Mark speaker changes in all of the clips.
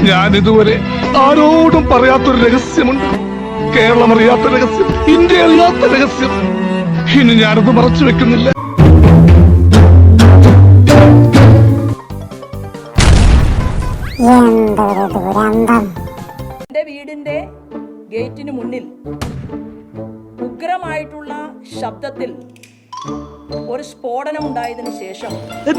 Speaker 1: ഞാൻ ഇതുവരെ ആരോടും പറയാത്തൊരു രഹസ്യമുണ്ട്. കേരളം അറിയാത്ത രഹസ്യം, ഇന്ത്യ അറിയാത്ത രഹസ്യം. ഇനി ഞാനത് മറച്ചു വെക്കുന്നില്ല.
Speaker 2: എന്റെ വീടിന്റെ ഗേറ്റിന് മുന്നിൽ ഉഗ്രമായിട്ടുള്ള ശബ്ദത്തിൽ ഒരു സ്ഫോടനം ഉണ്ടായതിനു ശേഷം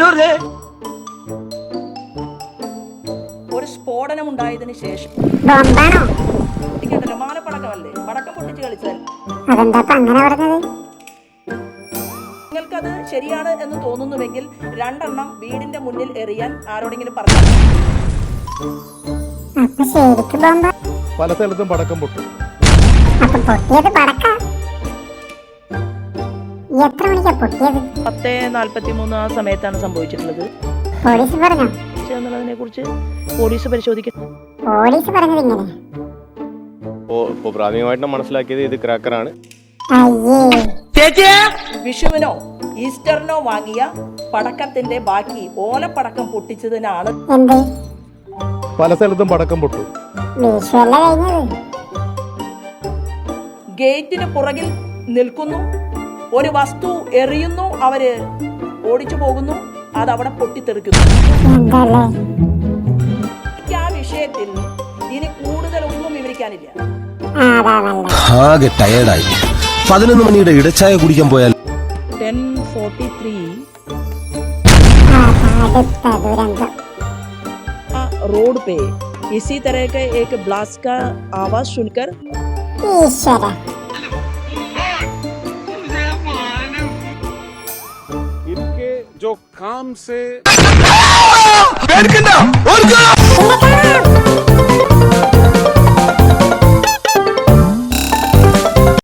Speaker 2: പൊട്ടിക്കണ്ടല്ലോ, മാലപ്പടക്കമല്ലേ, പടക്കം പൊട്ടിച്ച് കളിച്ചാൽ നിങ്ങൾക്കത് ശരിയാണ് എന്ന് തോന്നുന്നുവെങ്കിൽ 2 എണ്ണം വീടിന്റെ മുന്നിൽ എറിയാൻ ആരോടെങ്കിലും പറഞ്ഞു.
Speaker 1: പല സ്ഥലത്തും പടക്കം പൊട്ടും.
Speaker 3: എത്ര മണിക്കാ പൊട്ടിയത്?
Speaker 2: 10:43 ആ സമയത്താണ് സംഭവിച്ചിട്ടുള്ളത്.
Speaker 3: പോലീസ് പറഞ്ഞോ?
Speaker 2: എന്നുള്ളതിനെ കുറിച്ച് പോലീസ് പരിശോധിക്കും.
Speaker 3: പോലീസ് പറഞ്ഞത് ഇങ്ങനെ
Speaker 4: പ്രാഥമികമായിട്ട് മനസ്സിലാക്കിയത് ഇത് ക്രാക്കറാണ്.
Speaker 2: വിഷുവിനോ ഈസ്റ്ററിനോ വാങ്ങിയ പടക്കത്തിന്റെ ബാക്കി ഓലപ്പടക്കം പൊട്ടിച്ചതിനാണ്.
Speaker 1: പല സ്ഥലത്തും പടക്കം പൊട്ടും.
Speaker 2: ഗേറ്റിന് പുറകിൽ നിൽക്കുന്നു, ഒരു വസ്തു എറിയുന്നു, അവര് ഓടിച്ചു പോകുന്നു, അത് അവിടെ പൊട്ടിത്തെറിക്കുന്നു. ആ വിഷയത്തിൽ ഇനി കൂടുതലൊന്നും വിവരിക്കാനില്ല.
Speaker 5: ആകെ ടയേർഡായി. 11 മണിയുടെ ഇടച്ചായ കുടിക്കാൻ പോയാൽ
Speaker 2: 10:43 रोड पे इसी तरह के एक ब्लास्ट का आवाज सुनकर
Speaker 4: इनके जो काम से